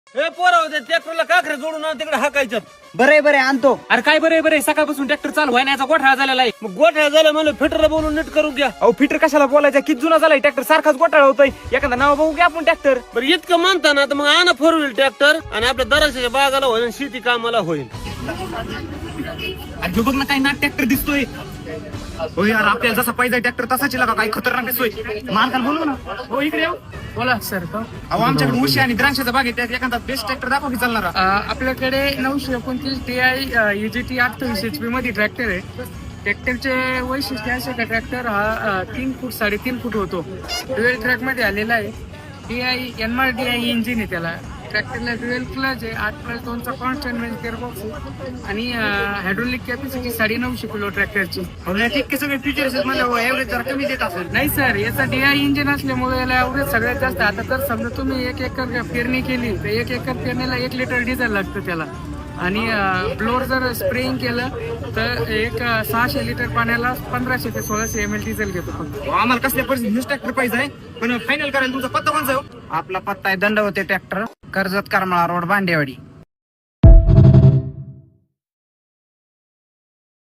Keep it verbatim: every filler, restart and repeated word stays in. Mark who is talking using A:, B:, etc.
A: हे पोराव ते ट्रॅक्टरला काखरे जोडून आण तिकडे हाकायच्यात.
B: बरे बरे आणतो.
C: अरे काय बरे बरे सकाळपासून ट्रॅक्टर चालू आहे याचा गोठा झालेला आहे.
A: मग गोठ्या झालं म्हणलं फिटरला बोलून नीट करू घ्या.
C: अहो फिटर कशाला बोलायचा, किती जुना झालाय ट्रॅक्टर, सारखाच गोठाळा होतोय. एखादा नाव बघू घ्या आपण ट्रॅक्टर.
A: बरं इतकं म्हणता ना तर मग आणा फोर व्हील ट्रॅक्टर आणि आपल्या दराच्या बागाला होईल आणि शेती कामाला होईल.
C: अरे बघ ना काय नाट ट्रॅक्टर दिसतोय. हो यार आपल्याला जसा पाहिजे ट्रॅक्टर तसाच लागा, काही खतरनाक दिसतोय. मालकाला बोलू ना. हो इकडे येऊ.
D: बोला सर.
C: अहो आमच्याकडे उशी आणि द्राक्षाचा बाग आहे, त्यात एखादा बेस्ट ट्रॅक्टर दाखवा की चालणारा.
D: आपल्याकडे नऊशे एकोणतीस टी आय युजीटी अठ्ठावीस एच पी मध्ये ट्रॅक्टर आहे. ट्रॅक्टरचे वैशिष्ट्य असे का ट्रॅक्टर हा अ, तीन फूट साडेतीन फूट होतो. ड्युएल ट्रॅक मध्ये आलेला आहे. T I N R D I engine आहे त्याला. ट्रॅक्टरला ड्युएल क्लच आहे. आठ प्लस दोनचा कॉन्स्टंट मेन गेअरबॉक्स आहे आणि हायड्रोलिक कॅपॅसिटी साडे नऊशे किलो ट्रॅक्टरची.
C: इतके सगळे फीचर्स मला एव्हरेज जरा कमी देत असेल.
D: नाही सर, याचा डी आय इंजिन असल्यामुळे याला एवढे सगळ्यात जास्त. आता तर समजा तुम्ही एक एकर पेरणी केली तर एक एकर पेरणीला एक लिटर डिझेल लागतं त्याला. आणि ब्लोअर जर स्प्रेइंग केलं तर एक अ, सहाशे लिटर पाण्याला पंधराशे ते सोळाशे एम एल डिझेल घेतो फक्त.
C: आम्हाला कसल्या परिस्थिती न्यूज ट्रॅक्टर पाहिजे पण फायनल करायला तुमचा पत्ता कोणचा आहे?
B: आपला पत्ता आहे दंडवते ट्रॅक्टर, कर्जत करमाळा रोड, भांडेवाडी.